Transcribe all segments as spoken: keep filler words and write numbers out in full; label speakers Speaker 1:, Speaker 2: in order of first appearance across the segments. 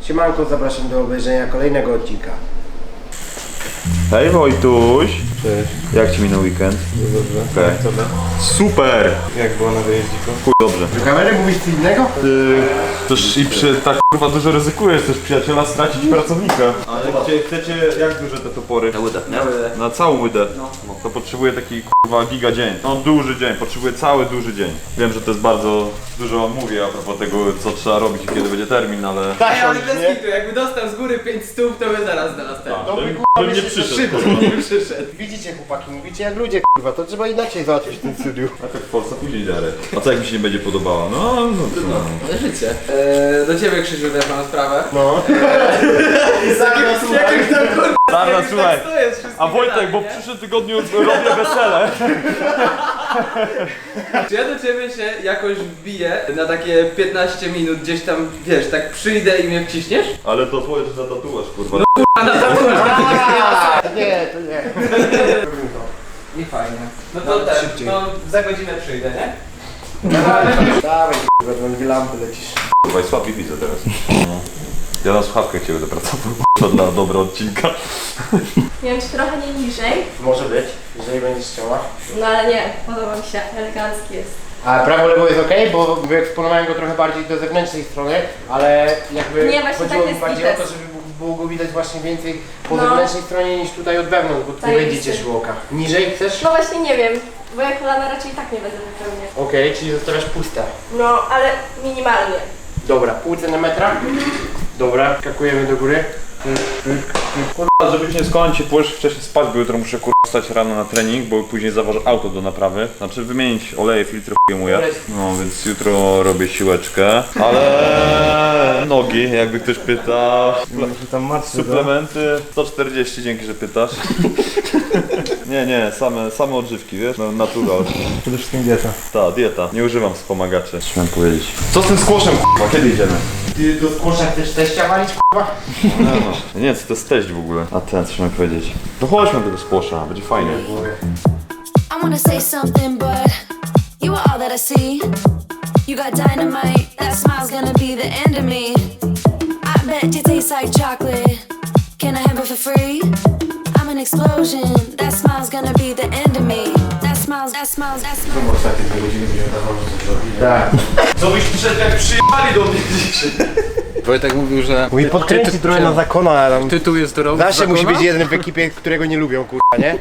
Speaker 1: Siemanko, zapraszam do obejrzenia kolejnego odcinka.
Speaker 2: Hej Wojtuś!
Speaker 3: Cześć.
Speaker 2: Jak ci minął weekend?
Speaker 3: Dobrze.
Speaker 2: Okej.
Speaker 3: Okay.
Speaker 2: Super!
Speaker 3: Jak było na wyjeździku?
Speaker 2: Chuj dobrze.
Speaker 1: Do kamery mówisz co innego?
Speaker 2: Ty też i przy tak kurwa dużo ryzykujesz też przyjaciela stracić pracownika. Ale gdzie chcecie, jak duże te topory?
Speaker 4: Na łydę, nie?
Speaker 2: Na całą łydę. No. To potrzebuję taki kurwa giga dzień. No duży dzień, potrzebuję cały duży dzień. Wiem, że to jest bardzo dużo mówię a propos tego co trzeba robić i kiedy będzie termin, ale...
Speaker 1: Tak,
Speaker 5: Ej, ale bez kitu, jakby dostał z góry pięć stów, to by zaraz znalazł ten.
Speaker 1: To by
Speaker 2: Bym,
Speaker 1: kurwa
Speaker 2: bym nie
Speaker 1: myślę, że
Speaker 2: przyszedł.
Speaker 1: szybko.
Speaker 2: kurwa.
Speaker 5: Przyszedł.
Speaker 1: Widzicie chłopaki, mówicie jak ludzie kurwa, to trzeba inaczej załatwić w tym studiu.
Speaker 2: A tak Polska później dalej. A co jak mi się nie będzie podobała? No, no, no.
Speaker 5: No życie. Eee, do ciebie Krzysiu też mam sprawę.
Speaker 1: No.
Speaker 5: Jakimś tam kurwa.
Speaker 2: Dobra,
Speaker 5: jakimś
Speaker 2: słuchaj.
Speaker 5: tak stoję z wszystkimi
Speaker 2: A Wojtek,
Speaker 5: gadami,
Speaker 2: bo
Speaker 5: nie?
Speaker 2: w przyszłym tygodniu robię wesele.
Speaker 5: Czy ja do ciebie się jakoś wbiję na takie piętnaście minut gdzieś tam, wiesz, tak przyjdę i mnie wciśniesz?
Speaker 2: Ale to twoje za tatuaż, kurwa.
Speaker 5: A na tatuaż.
Speaker 1: Nie, to nie.
Speaker 5: I fajnie. No to
Speaker 1: No,
Speaker 5: ten,
Speaker 1: szybciej.
Speaker 5: no za godzinę przyjdę, nie?
Speaker 1: Dawaj kurwa, tam dwie lampy lecisz.
Speaker 2: Kurwa i słabiej widzę teraz. No. Ja na słuchawkę cię będę pracował, kurwa, dla dobra odcinka.
Speaker 6: Nie wiem, czy trochę nie niżej,
Speaker 1: Może być, jeżeli będziesz chciała.
Speaker 6: no ale nie, podoba mi się, elegancki jest.
Speaker 1: A prawo lewo jest ok, bo wyeksponowałem go trochę bardziej do zewnętrznej strony, ale jakby
Speaker 6: Nie, właśnie
Speaker 1: chodziło
Speaker 6: tak
Speaker 1: mi
Speaker 6: jest
Speaker 1: bardziej o
Speaker 6: widać.
Speaker 1: to, żeby było go widać właśnie więcej po
Speaker 6: No.
Speaker 1: zewnętrznej stronie niż tutaj od wewnątrz, bo tu
Speaker 6: Tak
Speaker 1: nie będzie
Speaker 6: jest.
Speaker 1: cieszyło oka. Niżej chcesz?
Speaker 6: No właśnie nie wiem, bo ja kolana raczej i tak nie będę wypełniać.
Speaker 1: Okej, czyli zostawiasz puste.
Speaker 6: No, ale minimalnie.
Speaker 1: Dobra, pół centimetra. Dobra, skakujemy do góry.
Speaker 2: Kurwa, żebyś nie skończył, pójdziesz wcześniej spać, bo jutro muszę kurwa wstać rano na trening, bo później zawożę auto do naprawy. Znaczy wymienić oleje, filtry chuj No więc jutro robię siłeczkę, ale nogi, jakby ktoś pyta.
Speaker 3: Tam macie,
Speaker 2: Suplementy sto czterdzieści, dzięki, że pytasz. Nie, nie, same, same odżywki, wiesz, no, natural.
Speaker 3: Przede wszystkim dieta.
Speaker 2: Ta, dieta. Nie używam wspomagaczy. Co miałem powiedzieć? Co z tym skłoszem, kurwa? Kiedy idziemy?
Speaker 1: Ty do skłosza chcesz teścia walić, k***a?
Speaker 2: No, no. Nie, co to jest teść w ogóle? A ten, co miałem powiedzieć? No chodźmy do tego skłosza, będzie fajnie.
Speaker 7: I wanna say something, but you are all that I see. You got dynamite, that smile's gonna be the end of me. I bet you taste like chocolate. Can I have it for free? I'm an explosion. That smile's gonna be the end of me. That smile's, that smile's, that smile's.
Speaker 1: Ostatnie dwie godziny będziemy zrobić. Tak.
Speaker 2: Co byś przyszedł jak przyjechali do mnie dzisiaj?
Speaker 5: Wojtek mówił, że
Speaker 1: Mój podkręci trochę na zakona, ale tam...
Speaker 5: tytuł jest do
Speaker 1: Zawsze musi być jeden w ekipie, którego nie lubią, kurwa, nie?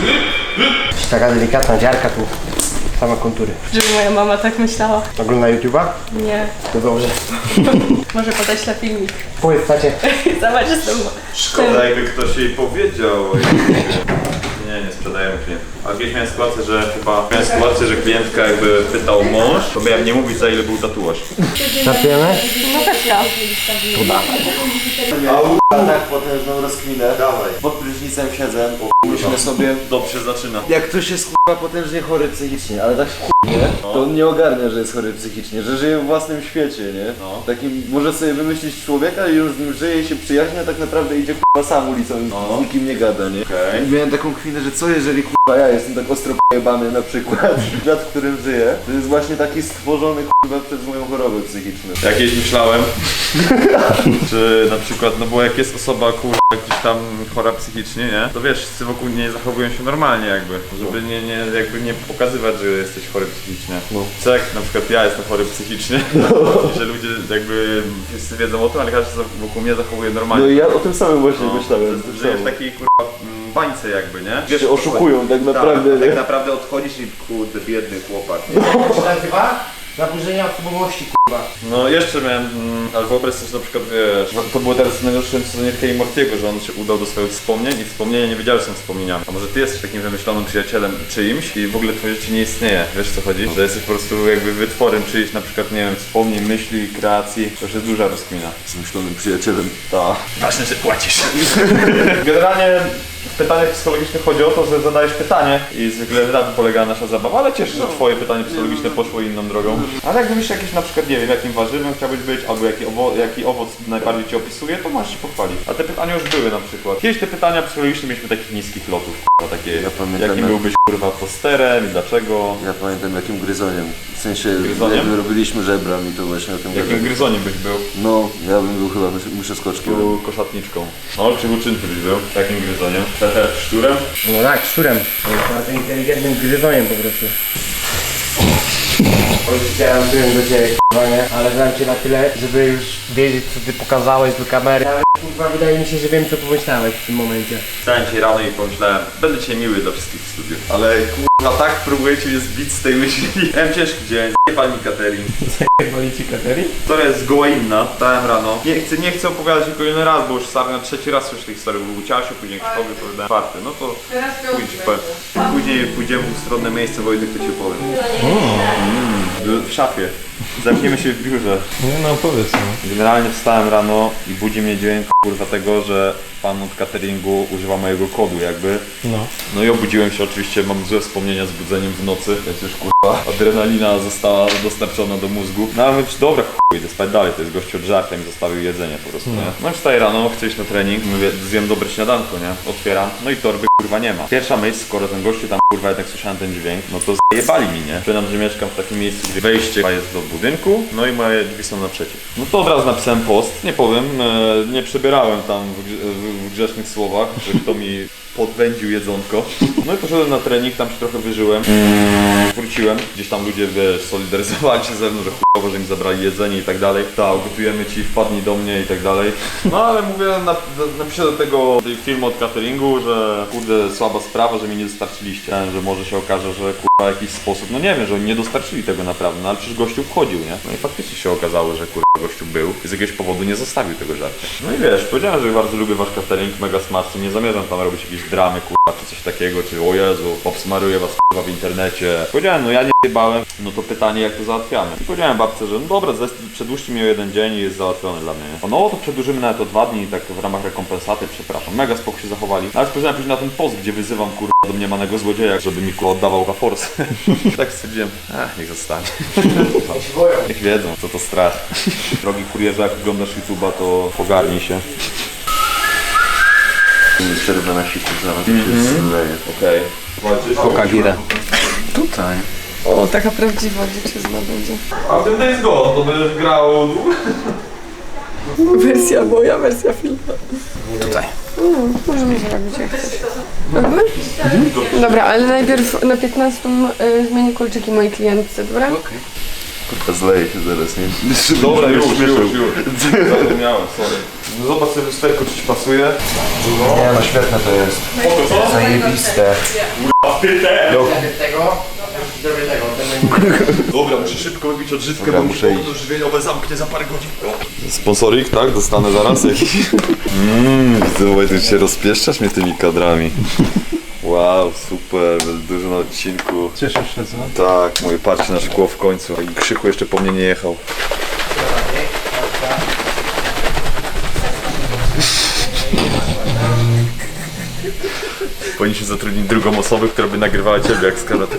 Speaker 1: Taka delikatna dziarka tu. Same kontury.
Speaker 6: Żeby moja mama tak myślała.
Speaker 1: Ogląda YouTube'a?
Speaker 6: Nie,
Speaker 1: To dobrze.
Speaker 6: może podeślę filmik.
Speaker 1: Powiedz, tacie.
Speaker 6: Zobacz, jestem...
Speaker 2: Szkoda, jakby ktoś jej powiedział. Nie, nie sprzedajemy klientów. A kiedyś miałem sytuację, że chyba miałem sytuację, że klientka jakby pytał mąż, to miałem nie mówić za ile był tatuaż.
Speaker 1: Startujemy?
Speaker 6: No tak ja.
Speaker 4: A tak potężną rozkminę. Dawaj. Pod prysznicem siedzę. Myślę sobie,
Speaker 2: Dobrze zaczyna.
Speaker 4: jak ktoś jest k***a potężnie chory psychicznie, ale tak k***nie, to on nie ogarnia, że jest chory psychicznie, że żyje w własnym świecie, nie?
Speaker 2: No.
Speaker 4: Takim, może sobie wymyślić człowieka i już z nim żyje i się przyjaźnia, a tak naprawdę idzie k***a sam ulicą i
Speaker 2: No.
Speaker 4: z nikim nie gada, nie?
Speaker 2: Okej.
Speaker 4: I miałem taką chwilę, że co jeżeli k***a ja jestem tak ostro p***bany na przykład, świat, w którym żyję, to jest właśnie taki stworzony k***a przez moją chorobę psychiczną.
Speaker 2: Jakieś myślałem, czy na przykład, no bo jak jest osoba kurwa gdzieś tam chora psychicznie, nie? To wiesz, wszyscy wokół nie zachowują się normalnie jakby, żeby nie, nie, jakby nie pokazywać, że jesteś chory psychicznie.
Speaker 4: No.
Speaker 2: Co jak na przykład ja jestem chory psychicznie, że ludzie jakby wszyscy wiedzą o tym, ale każdy wokół mnie zachowuje normalnie.
Speaker 4: No i ja o tym samym właśnie
Speaker 2: No,
Speaker 4: myślałem.
Speaker 2: że Żyjesz w takiej kurwa mm, bańce jakby, nie?
Speaker 4: Wiesz, oszukują tak naprawdę,
Speaker 2: tak,
Speaker 4: nie?
Speaker 2: tak naprawdę odchodzisz i kurde, biedny chłopak. Nie?
Speaker 1: Jak się nazywa? Zaburzenia osobowości, kurwa.
Speaker 2: No jeszcze miałem, mm, ale wyobraź sobie, że na przykład wiesz, to było teraz w najnowszym sezonie Ricky i Mortiego, że on się udał do swoich wspomnień i wspomnienia nie wiedziały, że są wspomnieniami. A może ty jesteś takim wymyślonym przyjacielem czyimś i w ogóle twoje życie nie istnieje, wiesz co chodzi? Że jesteś po prostu jakby wytworem czyjś, na przykład, nie wiem, wspomnień, myśli, kreacji, to już jest duża rozkmina.
Speaker 4: Z myślonym przyjacielem.
Speaker 2: Tak. Ważne, że płacisz. Generalnie w pytaniach psychologicznych chodzi o to, że zadajesz pytanie i zwykle na tym polega nasza zabawa, ale cieszę się, że twoje pytanie psychologiczne poszło inną drogą. Ale jak wymyślisz jakieś na przykład, nie wiem, w jakim warzywem chciałbyś być, albo jaki, owo jaki owoc najbardziej cię opisuje, to masz się pochwalić. A te pytania już były na przykład. Kiedyś te pytania psychologicznie mieliśmy takich niskich lotów, kurwa, takie,
Speaker 4: Ja pamiętam,
Speaker 2: jakim
Speaker 4: jak-
Speaker 2: byłbyś kurwa posterem i dlaczego,
Speaker 4: Ja pamiętam jakim gryzoniem. W sensie,
Speaker 2: Gryzoniem?
Speaker 4: jak my robiliśmy żebra mi to właśnie o tym
Speaker 2: jakim
Speaker 4: gadał.
Speaker 2: gryzoniem byś był.
Speaker 4: No, ja bym był chyba mysz- myszoskoczkiem.
Speaker 2: Był koszatniczką. No, czy uczynny byś był, takim gryzoniem. Hehe, szczurem.
Speaker 1: No tak, szczurem. Bardzo inteligentnym gryzoniem po prostu. Chciałem byłem do ciebie, k***a, nie? Ale znam cię na tyle, żeby już wiedzieć, co ty pokazałeś do kamery. Ale kurwa, wydaje mi się, że wiem, co pomyślałeś w tym momencie.
Speaker 2: Wstałem dzisiaj rano i pomyślałem, będę dzisiaj miły dla wszystkich w studiu. Ale kurwa, tak próbujecie mnie zbić z tej myśli. Miałem ciężki dzień, zjebali mi catering.
Speaker 3: Wali ci katerii?
Speaker 2: Historia jest zgoła inna. Wstałem rano. Nie chcę, nie chcę opowiadać jej kolejny raz, bo już stary na trzeci raz słyszę tej historii. Był u Ciasiu, później Krzysztofowi opowiadałem czwarty. No to
Speaker 6: Teraz
Speaker 2: pójdź, powiem. Później pójdziemy w ustronne miejsce, Wojtek, to ci opowiem. Mm, w szafie. Zamkniemy się w biurze.
Speaker 3: Nie no, powiedz no.
Speaker 2: Generalnie wstałem rano i budzi mnie dźwięk kurwa tego, że pan od cateringu używa mojego kodu jakby.
Speaker 3: No.
Speaker 2: No i obudziłem się, oczywiście mam złe wspomnienia z budzeniem w nocy, więc już kurwa adrenalina została dostarczona do mózgu. No ale mówię, dobra chuj, idę spać dalej, to jest gościu od żarcia, mi zostawił jedzenie po prostu, nie? No i wstaję rano, chcę iść na trening, mówię, zjem dobre śniadanko, nie? Otwieram, no i torby kurwa nie ma. Pierwsza myśl, skoro ten gościu tam kurwa jednak słyszałem ten dźwięk, no to zjebali mi, nie? Przyznam, że mieszkam w takim miejscu, gdzie wejście jest do budynku, no i moje drzwi są naprzeciw. No to od razu napisałem post, nie powiem, e, nie przebierałem tam w, grze- w, w grzecznych słowach, że kto mi podwędził jedzonko. No i poszedłem na trening, tam się trochę wyżyłem. Wróciłem, gdzieś tam ludzie, wiesz, solidaryzowali się ze mną, że chujowo, że mi zabrali jedzenie i tak dalej. Tak, gotujemy ci, wpadnij do mnie i tak dalej. No ale mówię, na, napiszę do tego tej filmu od cateringu, że kurde, słaba sprawa, że mi nie dostarczyliście. Że może się okaże, że kurwa w jakiś sposób, no nie wiem, że oni nie dostarczyli tego naprawdę, no ale przecież gościu wchodził, nie? No i faktycznie się okazało, że kurwa gościu był i z jakiegoś powodu nie zostawił tego żarcia. No i wiesz, powiedziałem, że bardzo lubię wasz catering, mega smaczny, nie zamierzam tam robić jakiejś dramy, kurwa, czy coś takiego, czy o Jezu, obsmaruję was kurwa w internecie. Powiedziałem, no ja nie jebałem, no to pytanie, jak to załatwiamy. I powiedziałem babce, że no dobra, zes- przedłużcie mi o jeden dzień i jest załatwione dla mnie. O, no to przedłużymy nawet o dwa dni, tak w ramach rekompensaty, przepraszam. Mega spoko się zachowali. Ale spojrzałem później na ten post, gdzie wyzywam kurwa do mniemanego złodzieja, żeby mi kurwa oddawał za forsę. Tak stwierdziłem, ach, niech zostanie. Niech wiedzą, co to strach. Drogi kurierze, jak oglądasz YouTube'a, to pogarnij się.
Speaker 4: Przerwę na siku zaraz się zleje.
Speaker 2: Okej.
Speaker 1: Coca gira.
Speaker 4: Tutaj.
Speaker 6: O, taka prawdziwa dziewczyna będzie.
Speaker 2: A w tym Days Gone to będziesz grał długo?
Speaker 6: Wersja moja, wersja filmu.
Speaker 1: Tutaj.
Speaker 6: Mm, możemy zrobić jak chcesz. Mhm. Dobra, ale najpierw na piętnaście y, zmienię kolczyki mojej klientce, dobra?
Speaker 4: Kurwa, zleje się zaraz, nie?
Speaker 2: Dobra, już, już, już, już. Zapomniałem, sorry. No zobacz sobie lusterko, czy ci pasuje.
Speaker 4: Nie no, świetne to jest.
Speaker 2: Spoko, co?
Speaker 4: Zajebiste.
Speaker 1: Tego, zrobię tego, ten
Speaker 2: Dobra, muszę szybko wybić odżywkę,
Speaker 4: Dobra,
Speaker 2: bo
Speaker 4: muszę
Speaker 2: muszę
Speaker 4: iść.
Speaker 2: okno żywieniowe zamknie za parę godzin. Sponsorik, tak? Dostanę zaraz jakiś. Mmm, widzę, ty się rozpieszczasz mnie tymi kadrami. Wow, super, będzie dużo na odcinku.
Speaker 3: Cieszysz się, co?
Speaker 2: Tak, moje patrzcie na szkło w końcu. I Krzychu jeszcze po mnie nie jechał. Powinniśmy zatrudnić drugą osobę, która by nagrywała ciebie jak z kamery.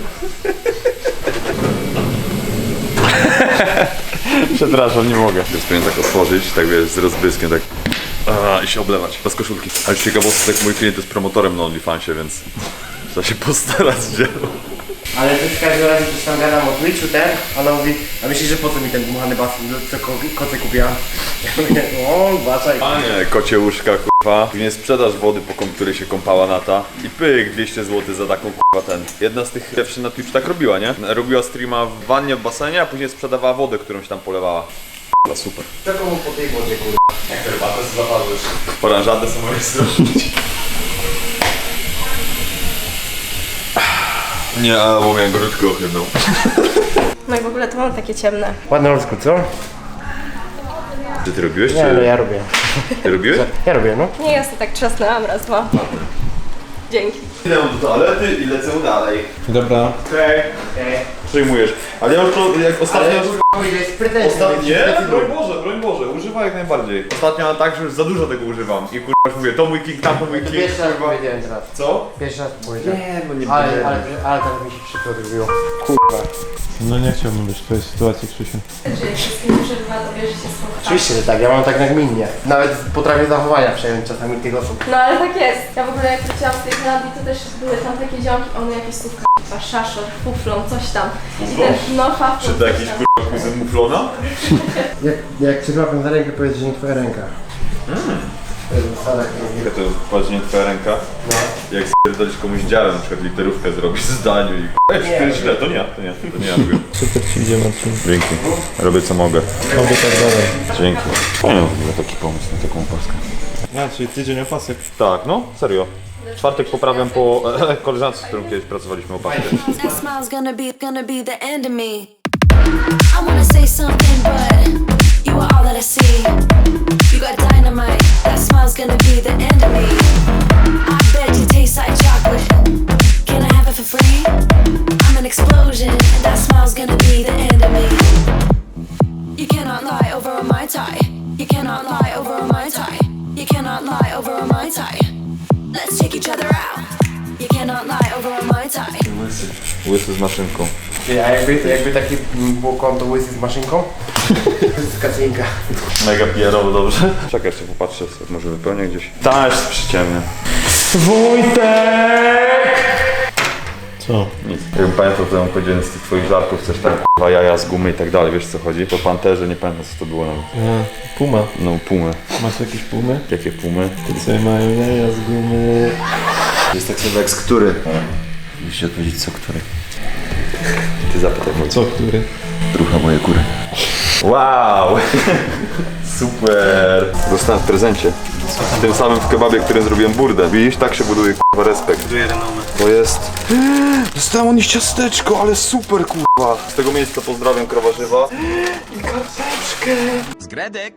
Speaker 2: Przepraszam, nie mogę. Teraz powinien tak otworzyć, tak wiesz, z rozbyskiem, tak a, i się oblewać, bez koszulki. Ale ciekawostek, mój klient jest promotorem na OnlyFansie, więc trzeba się postarać, gdzie.
Speaker 1: Ale to w każdym razie coś tam gadam o Twitchu, ten, ona mówi, a myślisz, że po co mi ten dmuchany basen, co ko koce kupiłam? Ja mówię, o, baczaj.
Speaker 2: Panie, kocie łóżka, kurwa. Później sprzedaż wody, po kom- której się kąpała Nata. I pyk, dwieście złotych za taką kurwa ten. Jedna z tych pierwszych na Twitch tak robiła, nie? Robiła streama w wannie, w basenie, a później sprzedawała wodę, którą się tam polewała. Kurwa, super.
Speaker 1: Czego mu po tej wodzie, kurwa?
Speaker 2: Jak herbatę zaparzysz? Oranżadę sobie możesz zrobić. Nie, a bo miałem gorączkę ochydną.
Speaker 6: No i w ogóle to mam takie ciemne.
Speaker 1: Ładny oldschool, co?
Speaker 2: Ty ty robiłeś,
Speaker 1: Nie,
Speaker 2: czy...
Speaker 1: no ja robię.
Speaker 2: Ty robiłeś?
Speaker 1: Ja robię, no.
Speaker 6: Nie, ja sobie tak trzasnęłam raz, dwa. Dzięki.
Speaker 2: Idę do toalety i lecę dalej.
Speaker 3: Dobra.
Speaker 2: Okej.
Speaker 1: Okej.
Speaker 2: Przyjmujesz. Ale ja już to, jak ostatnio...
Speaker 1: Ale ile jest pretensji.
Speaker 2: Ostatnio, nie, broń Boże, broń Boże, używaj jak najbardziej. Ostatnio mam tak, że już za dużo tego używam. I kurwa już mówię, to mój king, tam to mój king.
Speaker 1: Pierwszy raz
Speaker 2: kurwa.
Speaker 1: powiedziałem teraz.
Speaker 2: Co?
Speaker 1: Pierwszy raz powiedziałem.
Speaker 2: Nie, no nie
Speaker 1: Ale, ale, ale teraz mi się przykro zrobiło. Kurwa.
Speaker 3: No nie chciałbym być w twojej sytuacji, Krzysiu.
Speaker 6: Że jak się z kim przerywa, to bierze się słucha.
Speaker 1: Oczywiście, że tak, ja mam tak nagminnie. Nawet potrafię zachowania przejąć czasami tych osób.
Speaker 6: No ale tak jest. Ja w ogóle jak wróciłam z tej Holandii, to też były tam takie ziomki, one jakieś słówka, k***a, szaszor, fuflon, coś tam. I ten, no faflon,
Speaker 2: Czy to
Speaker 6: coś
Speaker 2: jakiś
Speaker 6: tam.
Speaker 2: kurwa kuzyn muflona?
Speaker 1: Jak, jak cię złapią za rękę, powiedz, że nie twoja ręka. To jest zasada,
Speaker 2: Ja to patrz, nie twoja ręka.
Speaker 1: no.
Speaker 2: Jak spierdolisz komuś działem, na przykład literówkę zrobisz w zdaniu i k***a, to jest źle, to nie ja, to nie, to nie ja robię.
Speaker 3: Super ci idzie, Marcin.
Speaker 2: Dzięki. Robię co mogę.
Speaker 3: Oby tak dalej.
Speaker 2: Dzięki. Fajny w ogóle taki pomysł na taką opaskę.
Speaker 3: A, czyli tydzień opasek.
Speaker 2: Tak, no, serio. W czwartek poprawiam po e, koleżance, z którą kiedyś pracowaliśmy opaskę.
Speaker 7: That smile's gonna be, gonna be the end of me. I wanna say something, but you are all that I see. You got dynamite. That smile's gonna be the end of me. I bet you taste like chocolate. Can I have it for free? I'm an explosion, and that smile's gonna be the end of me. You cannot lie over a Mai Tai. You cannot lie over a Mai Tai. You cannot lie over a Mai Tai. Let's take each other out. You cannot lie over a Mai Tai.
Speaker 2: Łysy z maszynką.
Speaker 1: A jakby, jakby taki było konto łysy z maszynką? To jest kacinka.
Speaker 2: Mega pierowo, dobrze? Czekaj, jeszcze popatrzę, może wypełnię gdzieś. Tam jest przyciemnie.
Speaker 3: Co?
Speaker 2: Nic. Jakbym pamiętał, to bym powiedział z tych twoich żartów, coś tam k***a, jaja z gumy i tak dalej, wiesz co chodzi? To panterze, nie pamiętam co to było nawet.
Speaker 3: A, puma.
Speaker 2: No, pumy.
Speaker 3: Masz jakieś pumy?
Speaker 2: Jakie pumy?
Speaker 3: Te co mają jaja z gumy.
Speaker 4: Jest tak sobie jak z który. Musisz odpowiedzieć co który.
Speaker 2: Ty zapytaj mój.
Speaker 3: Co, który?
Speaker 4: Drucha moje kury.
Speaker 2: Wow! Super! Dostałem w prezencie. W tym samym w kebabie, którym zrobiłem burdę. Widzisz, tak się buduje k***a respekt. To jest... Dostałem od nich ciasteczko, ale super k***a. Z tego miejsca pozdrawiam krowarzywa. I karteczkę.
Speaker 8: Zgredek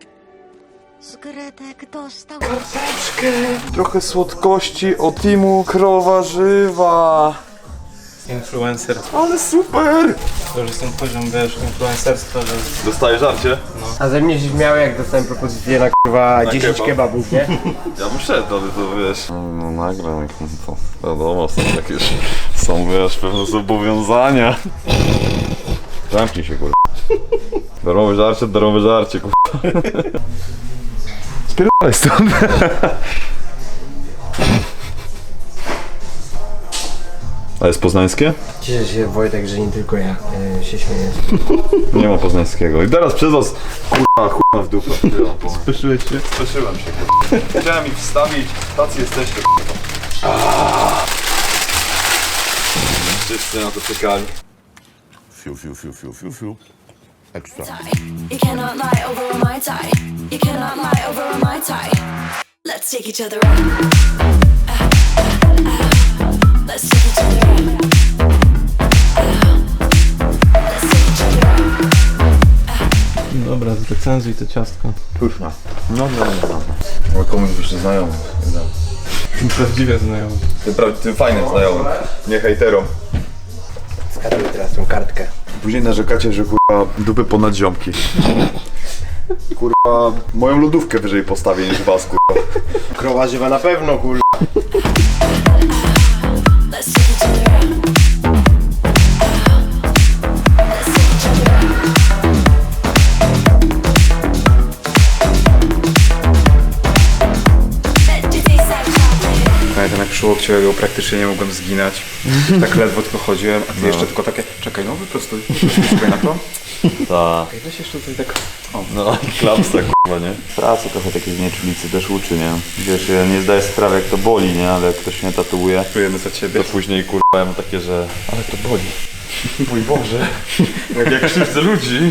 Speaker 8: dostał.
Speaker 2: Trochę słodkości od teamu krowarzywa.
Speaker 3: Influencer.
Speaker 2: Ale super!
Speaker 3: To już jest ten poziom, wiesz, influencerstwa, że...
Speaker 2: Dostajesz żarcie?
Speaker 1: A ze mnie się śmiały, jak dostałem propozycję na kurwa dziesięć
Speaker 2: kebab.
Speaker 1: kebabów, nie?
Speaker 2: Ja bym szedł, ale to wiesz... No nagram ich, no to wiadomo, są jakieś... Są, wiesz, pewne zobowiązania. Zamknij się, kurwa. Darmowe żarcie, darmowe żarcie, kurwa. Spierdalaj stąd. A jest poznańskie?
Speaker 1: Cieszę się, Wojtek, że nie tylko ja e, się śmieję.
Speaker 2: Nie ma poznańskiego. I teraz przez was, kurwa, kurwa w dupę.
Speaker 3: Spieszyłeś się?
Speaker 2: Spieszyłem się, kurwa. Chciałem ich wstawić, tacy jesteście, kurwa. Wszyscy na to czekali.
Speaker 8: Fiu, fiu, fiu, fiu, fiu, fiu. Ekstra.
Speaker 7: You cannot lie over a Mai Tai. You cannot lie over a Mai Tai. Let's take each other out. Ah, ah, ah. Let's take each other out. Ah, let's take each other out.
Speaker 3: Dobra, zrecenzuj to ciastko.
Speaker 2: Pyszna. No, no, no, no. Ale komuś byś nie znajomy.
Speaker 3: Prawdziwie znajomy.
Speaker 2: Tym, pra- tym fajnym znajomym. Nie hejterom.
Speaker 1: Zgaduję teraz tą kartkę.
Speaker 2: Później narzekacie, że kurwa dupy ponad ziomki. Kurwa, moją lodówkę wyżej postawię niż was, kurwa.
Speaker 1: Krowa żywa na pewno, kurwa.
Speaker 7: Let's take each other out. Ah, let's take each other out. Bet you taste like chocolate.
Speaker 9: Pamiętam jak przy łokciu ja go praktycznie nie mogłem zginać. Tak ledwo tylko chodziłem, a ty jeszcze tylko takie, czekaj no wyprostuj, wyprostuj na to.
Speaker 2: Tak.
Speaker 9: Ej, weź jeszcze tutaj tak,
Speaker 2: No i klapsa, kurwa, nie? Pracy trochę takiej znieczulicy też uczy, nie? Wiesz, ja nie zdaję sprawy jak to boli, nie? Ale jak ktoś mnie tatuuje,
Speaker 9: czujemy za ciebie.
Speaker 2: to później kurwa ja mam takie, że... Ale to boli. Mój Boże. Jak ja krzywdzę ludzi.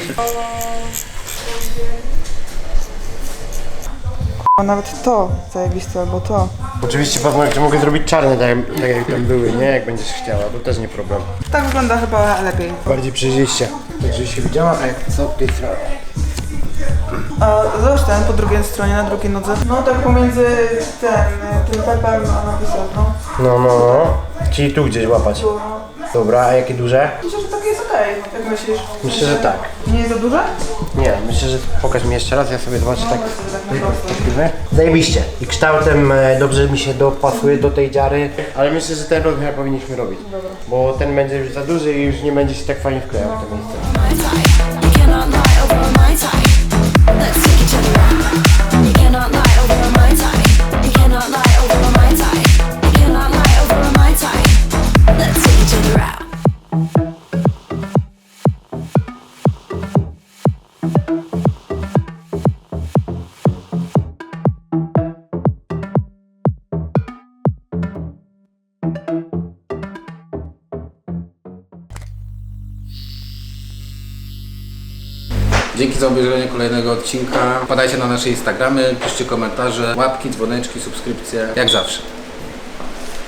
Speaker 10: Nawet to zajebiste, albo to.
Speaker 1: Oczywiście paznokcie mogę zrobić czarne, tak, tak jak tam były, nie? Jak będziesz chciała, to też nie problem.
Speaker 10: Tak wygląda chyba lepiej.
Speaker 1: Bardziej przejrzyście. Tak, żeby się widziała, a jak co od tej strony.
Speaker 10: A zobacz ten po drugiej stronie, na drugiej nodze. No tak pomiędzy ten, tym pepem a napisem, no.
Speaker 1: No, no, no. Czyli tu gdzieś łapać.
Speaker 10: Tu, no.
Speaker 1: Dobra, a jakie duże?
Speaker 10: Myślę, że takie jest okej. okej, jak myślisz?
Speaker 1: Myślę, że tak.
Speaker 10: Nie jest za duże?
Speaker 1: Nie, myślę, że pokaż mi jeszcze raz, ja sobie zobaczę tak.
Speaker 10: Tak po prostu.
Speaker 1: Zajebiście. I kształtem e, dobrze mi się dopasuje do tej dziary, ale myślę, że ten rozmiar powinniśmy robić. Bo ten będzie już za duży i już nie będzie się tak fajnie wklejał w to miejsce.
Speaker 7: My type. You cannot lie over my type. Let's take each other out. You cannot lie over my type. You cannot lie over my type. You cannot lie over my type. Let's take each other out.
Speaker 11: Dzięki za obejrzenie kolejnego odcinka. Wpadajcie na nasze Instagramy, piszcie komentarze, łapki, dzwoneczki, subskrypcje, jak zawsze.